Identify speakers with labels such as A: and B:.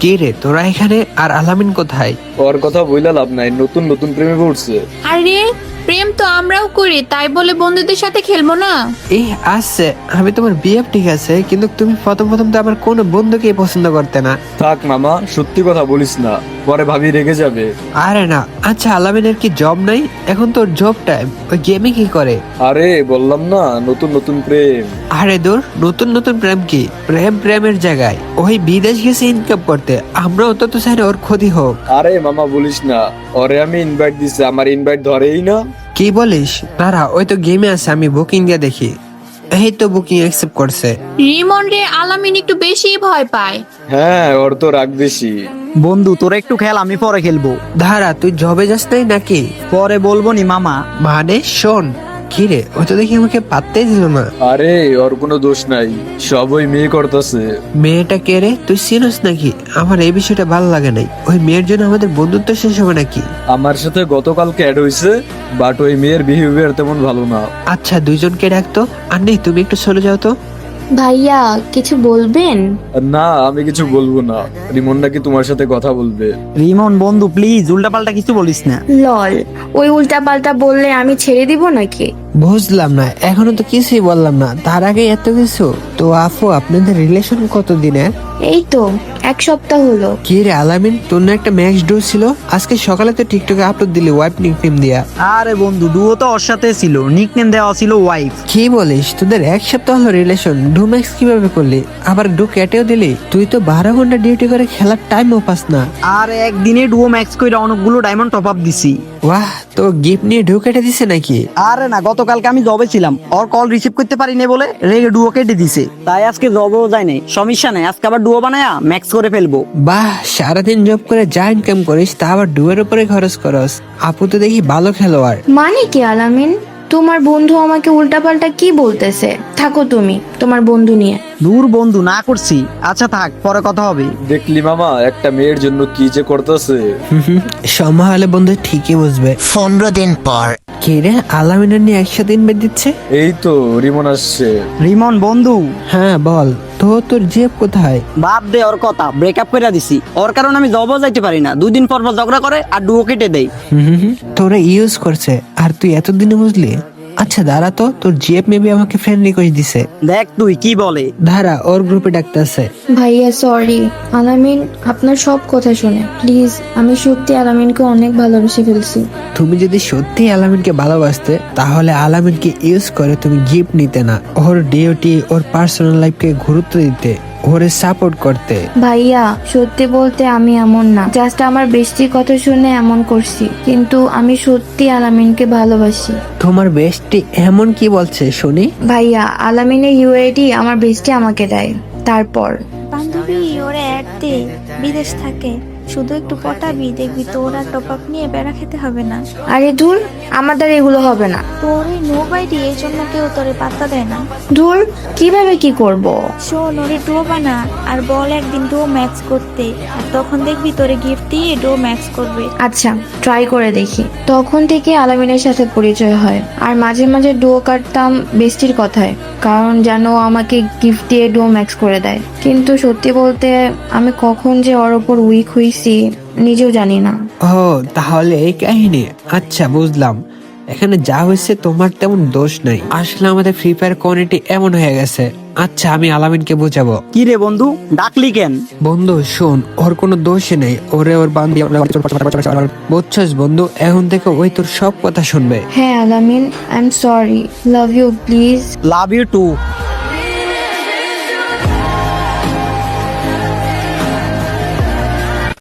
A: কি রে তোরা এখানে, আর আলামিন কোথায়?
B: ওর কথা বইলা লাভ নাই, নতুন নতুন প্রেমে পড়ছে।
C: আরে প্রেম তো আমরাও করি, তাই বলে বন্ধুদের সাথে খেলবো না?
A: এই আসছে, আমি তোমার বিএফ ঠিক আছে, কিন্তু তুমি প্রথম প্রথম তো আমার কোনো বন্ধুকে পছন্দ করতে না।
B: থাক মামা, সত্যি কথা বলিস না, পরে ভাবি রেগে যাবে।
A: আরে না, আচ্ছা আলামিনের কি জব নাই? এখন তোর জব টাইম, ওই গেমে কি করে?
B: আরে বললাম না, নতুন নতুন প্রেম।
A: আরে দূর, নতুন নতুন প্রেম কি? প্রেম প্রেমের জায়গায়, ওই বিদেশ গেছে ইনকাম করতে, আমরাও তো চাই না ওর ক্ষতি হোক।
B: আরে মামা বলিস না, ওরে আমি ইনভাইট দিছি, আমার ইনভাইট ধরেই না।
A: কি বলিস? দাঁড়া, ওই তো গেমে আছে, আমি বুকিং দিয়ে দেখি। এই তো বুকিং অ্যাকসেপ্ট করছে।
C: রিমন রে, আলামিন একটু বেশি ভয় পায়।
B: হ্যাঁ, ওর তো রাগ বেশি।
D: বন্ধু তোরা একটু খেল, আমি পরে খেলবো।
A: দাঁড়া, তুই জবে যাস নাই নাকি?
D: পরে বলবো নি মামা।
A: মানে শোন, কি রে, ওই তো দেখি আমাকে পাত্তাই দিল না।
B: আরে ওর কোনো দোষ নাই, সব ওই মেয়ে করতেছে।
A: মেয়েটা কে রে? তুই চিনিস নাকি? আমার এই বিষয়টা ভালো লাগে নাই। ওই মেয়ের জন্য আমাদের বন্ধুত্ব শেষ হবে নাকি?
B: আমার সাথে গতকালকে অ্যাড হয়েছে, বাট ওই মেয়ের বিহেভিয়ার তেমন ভালো না।
A: আচ্ছা, দুইজনকে ডাকতো। আর নেই, তুমি একটু চলে যাও তো।
E: ভাইয়া কিছু বলবেন?
B: না, আমি কিছু বলবো না। রিমন নাকি তোমার সাথে কথা বলবে।
D: রিমন বন্ধু প্লিজ উল্টাপাল্টা কিছু বলিস না।
E: লল, ওই উল্টা পাল্টা বললে আমি ছেড়ে দিব নাকি?
A: বুঝলাম না, এখনো তো কিছুই বললাম না, তার আগে এত কিছু। তো আফু, আপনাদের রিলেশন কতদিনের?
E: এই তো 1 সপ্তাহ হলো।
A: কি রে আলামিন, তোর না একটা ম্যাক্স ডো ছিল? আজকে সকালে তো টিকটকে আপলোড দিলি ওয়াইফ নিকনেম দিয়া।
D: আরে বন্ধু ডুও তো ওর সাথে ছিল, নিকনেম দেওয়া ছিল ওয়াইফ।
A: কি বলিস? তোদের 1 সপ্তাহ হলো রিলেশন, ডু ম্যাক্স কিভাবে করলি? আবার ডু কেটেও দিলি? তুই তো 12 ঘন্টা ডিউটি করে খেলার টাইমও পাস না।
D: আর একদিনে ডুও ম্যাক্স কইরা অনেকগুলো ডায়মন্ড টপ আপ দিছি।
A: ওয়াহ, তো গিফট নিয়ে ডু কেটে দিছে নাকি?
D: আরে না, গতকালকে আমি জবে ছিলাম, ওর কল রিসিভ করতে পারি নাই বলে রেগে ডুও কেটে দিছে, তাই আজকে জবেও যায় নাই। সমস্যা নাই, আজকে আবার ডুও বানায়া ম্যাক্স করে ফেলবো।
A: বাহ, সারাদিন জব করে যা ইনকাম করিস তা আবার ডুয়ের উপরে খরচ করস। আপু তো দেখি ভালো খেলোয়াড়।
E: মানে কি আলামিন, তোমার বন্ধু আমাকে উল্টাপাল্টা কি বলতেছে? থাকো তুমি তোমার বন্ধু নিয়ে।
D: দূর বন্ধু, না করছি। আচ্ছা থাক, পরে কথা হবে।
B: দেখলি মামা, একটা মেয়ের জন্য কি যে করতেছে।
A: সময় হলে বন্ধু ঠিকই বুঝবে।
F: 15 দিন পর।
A: কি রে, আলামিনের নিয়ে একসাথে ইনভাইট দিচ্ছে?
B: এই তো রিমন আসছে।
D: রিমন বন্ধু।
A: হ্যাঁ বল তো, তোর জেব কোথায়?
D: বাদ দে ওর কথা, ব্রেকআপ করে দিছি। ওর কারণে আমি জবও যাইতে পারি না, 2 দিন পর পর ঝগড়া করে আর ডুও কেটে দেয়।
A: তোরা ইউজ করছে, আর তুই এতদিনে বুঝলি? আচ্ছা দাঁড়া তো, তোর জিএফ মেবি আমাকে ফ্রেন্ড রিকোয়েস্ট দিছে।
D: দেখ তুই কি বলে।
A: দাঁড়া, ওর গ্রুপে ডাকতেছে।
E: ভাইয়া সরি, আলামিন আপনার সব কথা শুনে প্লিজ, আমি সত্যি আলামিনকে অনেক ভালোবেসে ফেলছি।
A: তুমি যদি সত্যি আলামিনকে ভালোবাসতে, তাহলে আলামিনকে ইউজ করে তুমি গিফট নিতে না, ওর ডিউটি, ওর পার্সোনাল লাইফকে গুরুত্ব দিতে, ওরে সাপোর্ট করতে।
E: ভাইয়া সত্যি বলতে আমি এমন না, জাস্ট আমার বেস্টির কথা শুনে এমন করছি, কিন্তু আমি সত্যি আলামিনকে ভালোবাসি।
A: তোমার বেস্টি এমন কি বলছে শুনি?
E: ভাইয়া আলামিনের ইউআইডি আমার বেস্টি আমাকে দেয়, তারপর
G: বান্ধবী ওরা অ্যাড দে, বিদেশ থাকে, শুধু একটু পটাবি, দেখবি তো ওরা টপ আপ নিয়ে বেড়া খেতে হবে না।
E: আরে ধুর, আমার দ্বারা এগুলো হবে না।
G: তোর ওই নো বাইডি, এই জন্য কেউ তোরে পাত্তা দেয় না।
E: ধুর, কিভাবে কি করব?
G: শোন, ওরে ডো বানা আর বল একদিন ডো ম্যাক্স করতে, আর তখন দেখবি তোরে গিফট দিয়ে ডো ম্যাক্স করবে।
E: আচ্ছা ট্রাই করে দেখি। তখন থেকে আলামিনের সাথে পরিচয় হয়, আর মাঝে মাঝে ডুও কাটতাম বেস্টির কথায়, কারণ যেন ও আমাকে গিফট দিয়ে ডুও ম্যাক্স করে দেয়। কিন্তু সত্যি বলতে আমি কখন যে ওর ওপর উইক হইছি নিজেও জানি না।
A: ও তাহলে এই কাহিনী। আচ্ছা বুঝলাম, এখানে যা হয়েছে তোমার তেমন দোষ নাই, আসলে আমাদের ফ্রি ফায়ার কমিউনিটি এমন হয়ে গেছে। আচ্ছা আমি আলামিনকে বোঝাবো।
D: কি রে বন্ধু, ডাকলি কেন?
A: বন্ধু শোন, ওর কোনো দোষই নেই, ওরে ওর বান্ধবী বুঝছস বন্ধু, এখন থেকে ওই তোর সব কথা শুনবে।
E: হ্যাঁ Alamin, I am sorry, love you please.
D: Love you two.